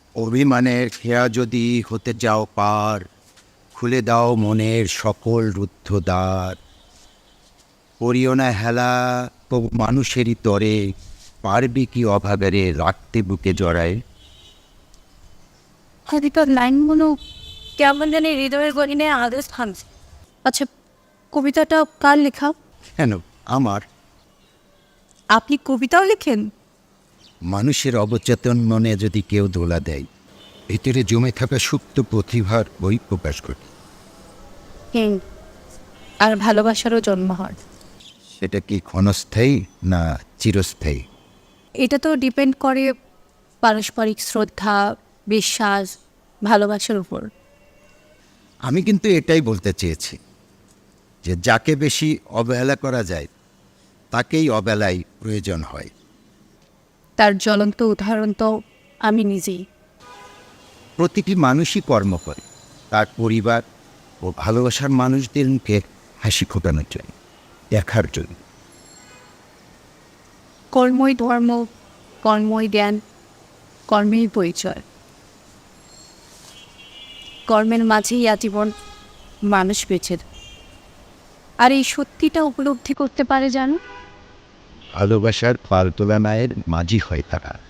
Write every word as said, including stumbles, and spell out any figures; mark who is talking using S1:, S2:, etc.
S1: অভিমানের খেয়া যদি হতে যাও পার, খুলে দাও মনের সকল রুদ্ধ দ্বার। করিও না হেলা তবু মানুষেরই তরে, পারবি কি অভাবেরে রাখতে বুকে জড়ায়।
S2: কবিতার লাইনগুলো কেমন জানি হৃদয়ের গহিনে আদেশ থামছে। আচ্ছা, কবিতাটা কার লেখা?
S1: কেন আমার?
S2: আপনি কবিতাও লেখেন?
S1: মানুষের অবচেতন মনে যদি কেউ দোলা দেয়, ভিতরে জমে থাকা সুপ্ত প্রতিভার বই প্রকাশ করে।
S2: হুম, আর ভালোবাসারও জন্ম হয়।
S1: সেটা কি ক্ষণস্থায়ী না চিরস্থায়ী?
S2: এটা তো ডিপেন্ড করে পারস্পরিক শ্রদ্ধা, বিশ্বাস, ভালোবাসার উপর।
S1: আমি কিন্তু এটাই বলতে চেয়েছি যে যাকে বেশি অবহেলা করা যায় তাকেই অবেলায় প্রয়োজন হয়।
S2: তার জ্বলন্ত উদাহরণ তো আমি নিজেই।
S1: প্রতিটি মানুষই কর্ম করে তার পরিবার ও ভালোবাসার মানুষদের মুখে হাসি ফোটানোর জন্য, দেখার জন্য।
S2: কর্মই ধর্ম, কর্মই জ্ঞান, কর্মেই পরিচয়। কর্মের মাঝেই আজীবন মানুষ বেঁচে থাকে। আর এই সত্যিটা উপলব্ধি করতে পারে জানো,
S1: ভালোবাসার পালতোলা মায়ের মাঝি হয় তারা।